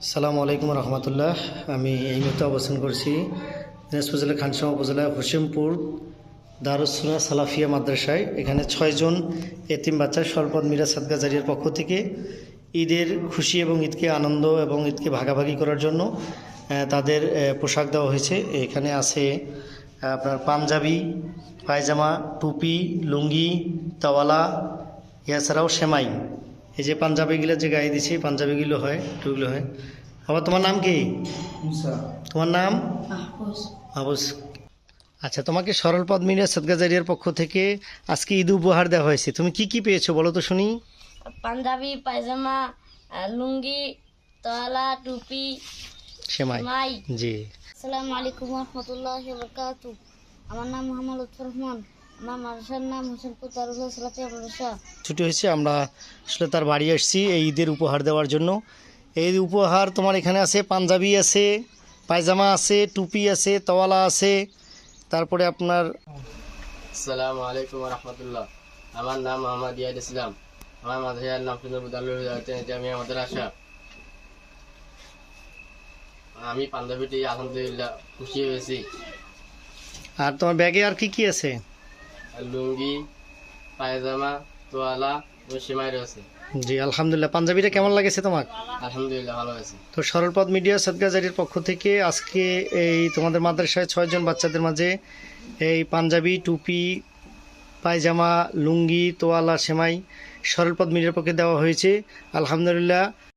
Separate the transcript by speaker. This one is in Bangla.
Speaker 1: আসসালামু আলাইকুম রহমতুল্লাহ। আমি এই মুহূর্তে অবস্থান করছি দিনাজপুর জেলার খানসামা উপজেলার হোসেমপুর দারুস সুন্নাহ সালাফিয়া মাদ্রাসায়। এখানে 6 জন এতিম বাচ্চা স্বল্পদ মিরাজ সাদকা জারিয়ার পক্ষ থেকে ঈদের খুশি এবং ঈদকে আনন্দ এবং ঈদকে ভাগাভাগি করার জন্য তাদের পোশাক দেওয়া হয়েছে। এখানে আছে আপনার পাঞ্জাবি, পায়জামা, টুপি, লুঙ্গি, তাওয়ালা, এছাড়াও সেমাই। এই যে পাঞ্জাবিগুলো যে গায়ে দিছি, পাঞ্জাবিগুলো হয়, টুগুলো হয়। আবার তোমার নাম কি?
Speaker 2: মুসা।
Speaker 1: তোমার নাম? মাহফুজ। আচ্ছা, তোমাকে সরলপদ মিরাজ সাদকা জারিয়ার পক্ষ থেকে আজকে ঈদ উপহার দেওয়া হয়েছে। তুমি কি কি পেয়েছো বলো তো শুনি।
Speaker 3: পাঞ্জাবি, পায়জামা, লুঙ্গি, তোয়ালা, টুপি,
Speaker 1: সেমাই।
Speaker 3: মাই।
Speaker 1: জি।
Speaker 3: আসসালামু আলাইকুম রহমতুল্লাহি ওয়া বারাকাতুহু। আমার নাম মোহাম্মদ লুৎফর রহমান। আমার মাদ্রাসার নাম হোসেনপুর দারুস সুন্নাহ সালাফিয়া মাদ্রাসা।
Speaker 1: ছুটি হয়েছে, আমরা আসলে তার বাড়ি আসছি এই ঈদের উপহার দেওয়ার জন্য। এই উপহার তোমার এখানে আছে, পাঞ্জাবি আছে, পায়জামা আছে, টুপি আছে, তোয়ালা আছে, তারপরে আপনার
Speaker 2: আসসালামু আলাইকুম রহমতুল্লাহ। আমার নাম মোহাম্মদ ইয়াদ ইসলাম। আমার মাদ্রাসার নাম জামিয়া মাদ্রাসা। আমি পাঞ্জাবিটি আলহামদুলিল্লাহ খুশি হয়েছি।
Speaker 1: আর তোমার ব্যাগে আর কি কি আছে?
Speaker 2: লুঙ্গি, পায়জামা, তোয়ালা ও সেমাই রয়েছে।
Speaker 1: জি আলহামদুলিল্লাহ। পাঞ্জাবিটা কেমন লাগেছে তোমার?
Speaker 2: আলহামদুলিল্লাহ ভালো হয়েছে।
Speaker 1: তো সরলপদ মিডিয়া সাদকা জারির পক্ষ থেকে আজকে এই তোমাদের মাদ্রাসায় 6 জন বাচ্চাদের মাঝে এই পাঞ্জাবি, টুপি, পায়জামা, লুঙ্গি, তোয়ালা, সেমাই সরলপদ মিডিয়ার পক্ষে দেওয়া হয়েছে। আলহামদুলিল্লাহ।